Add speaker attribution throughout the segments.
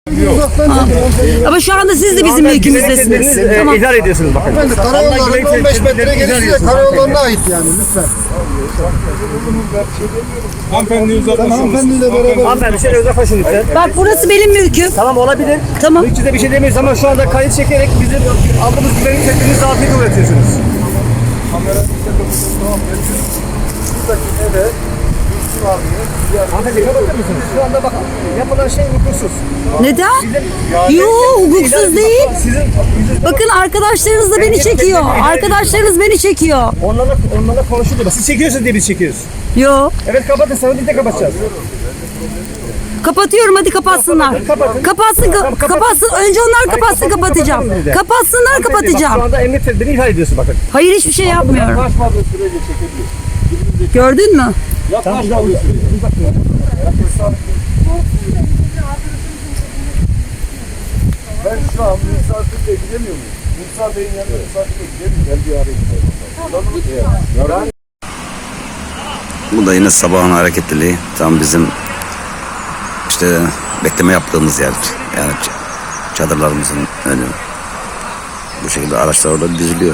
Speaker 1: Ama şu anda siz de bizim mülkümüzdesiniz. Tamam.
Speaker 2: İhlal ediyorsunuz bakın.
Speaker 3: Efendim karayollarının 15 metre gerisi de karayollarına ait yani lütfen.
Speaker 4: Hanımefendi
Speaker 3: Hanımefendiyle beraber.
Speaker 2: Hanımefendi şöyle uzaklaşın lütfen.
Speaker 1: Bak burası benim mülküm.
Speaker 2: Tamam olabilir.
Speaker 1: Tamam.
Speaker 2: Mülkçüde bir şey demeyiz ama şu anda kayıt çekerek bizim aldığımız güvenlik tedbirini zafiyete uğratıyorsunuz. Hanımefendi kapatır mısınız? Şu anda bakın yapılan şey hukuksuz.
Speaker 1: Neden? Yok, hukuksuz değil.
Speaker 2: Sizin
Speaker 1: Bakın arkadaşlarınız da beni çekiyor. Arkadaşlarınız beni çekiyor.
Speaker 2: onlarla konuşuluyor. Siz çekiyorsunuz diye biz çekiyoruz.
Speaker 1: Yo.
Speaker 2: Evet kapatın sonra biz de kapatacağız.
Speaker 1: Kapatıyorum, hadi kapatsınlar. Kapatsın, kapatsın. Önce onlar kapatsın, kapatacağım. Kapatsınlar,
Speaker 2: Şu
Speaker 1: kapatacağım.
Speaker 2: anda emniyet tedbirini ihlal ediyorsun bakın.
Speaker 1: Hayır, hiçbir şey yapmıyorum. Gördün mü?
Speaker 2: Tamam.
Speaker 3: Ben şu an misafirle gidemiyor muyum? Musa Bey'in yanına misafirle gidemiyorum. Ben bir arayayım.
Speaker 5: Bu da yine sabahın hareketliliği. Tam bizim işte bekleme yaptığımız yer. Yani çadırlarımızın önü. Bu şekilde araçlar orada diziliyor.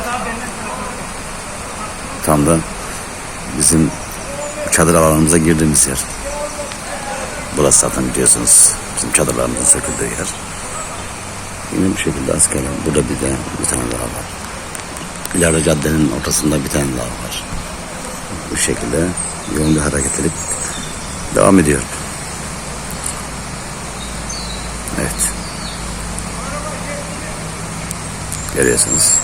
Speaker 5: Tam da bizim çadır alanımıza girdiğimiz yer. Burası zaten biliyorsunuz bizim çadırlarımızın söküldüğü yer. Yine bu şekilde askerler. Burada bir tane daha var. İleride caddenin ortasında bir tane daha var. Bu şekilde yoğun bir hareketlilik devam ediyor. Evet. Görüyorsunuz.